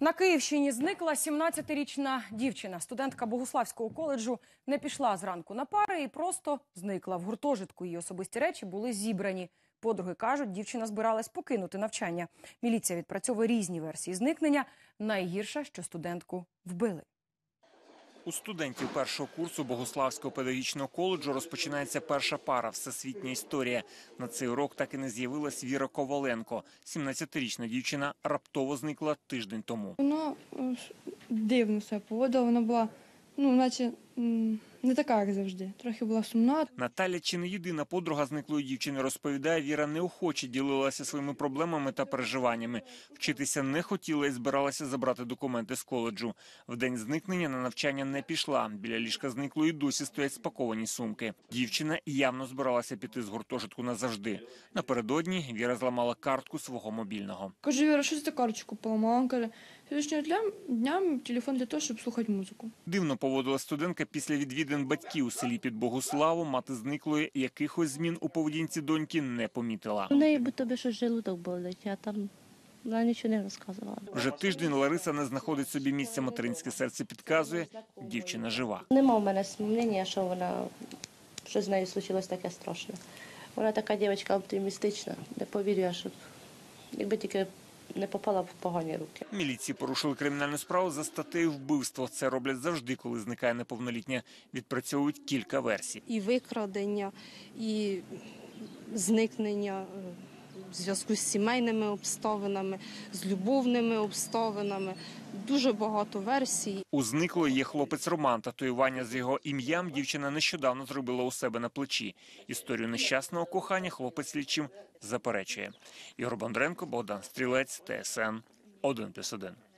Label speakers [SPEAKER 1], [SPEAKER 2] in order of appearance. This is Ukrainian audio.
[SPEAKER 1] На Київщині зникла 17-річна дівчина. Студентка Богуславського коледжу не пішла зранку на пари і просто зникла. В гуртожитку її особисті речі були зібрані. Подруги кажуть, дівчина збиралась покинути навчання. Міліція відпрацьовує різні версії зникнення. Найгірше, що студентку вбили.
[SPEAKER 2] У студентів першого курсу Богуславського педагогічного коледжу розпочинається перша пара «Всесвітня історія». На цей урок так і не з'явилась Віра Коваленко. 17-річна дівчина раптово зникла тиждень тому.
[SPEAKER 3] Вона дивно себе поводила, вона була, наче не така, як завжди. Трохи була сумна.
[SPEAKER 2] Наталя чи не єдина подруга зниклої дівчини, розповідає, Віра неохоче ділилася своїми проблемами та переживаннями. Вчитися не хотіла і збиралася забрати документи з коледжу. В день зникнення на навчання не пішла. Біля ліжка зниклої досі стоять спаковані сумки. Дівчина явно збиралася піти з гуртожитку назавжди. Напередодні Віра зламала картку свого мобільного.
[SPEAKER 3] Кажу, Віра, що ти карточку поламала? Вона каже, сьогоднішнього дня телефон для того, щоб слухати музику.
[SPEAKER 2] Дивно поводила студентка після відвідин батьків у селі під Богуславом. Мати зниклої якихось змін у поведінці доньки не помітила.
[SPEAKER 4] У неї би тобі щось желудок болить, а там вона нічого не розказувала.
[SPEAKER 2] Вже тиждень Лариса не знаходить собі місця. Материнське серце підказує, дівчина жива.
[SPEAKER 4] Нема в мене сумнення, що з нею случилось таке страшне. Вона така дівчинка оптимістична, не повірю, що якби тільки не попала в погані руки.
[SPEAKER 2] Міліції порушили кримінальну справу за статтею вбивство. Це роблять завжди, коли зникає неповнолітня. Відпрацьовують кілька версій.
[SPEAKER 5] І викрадення, і зникнення в зв'язку з сімейними обставинами, з любовними обставинами. Дуже багато версій.
[SPEAKER 2] У зниклої є хлопець Роман. Татуювання з його ім'ям дівчина нещодавно зробила у себе на плечі. Історію нещасного кохання хлопець слідчим заперечує. Ігор Бондаренко, Богдан Стрілець, ТСН 1+1.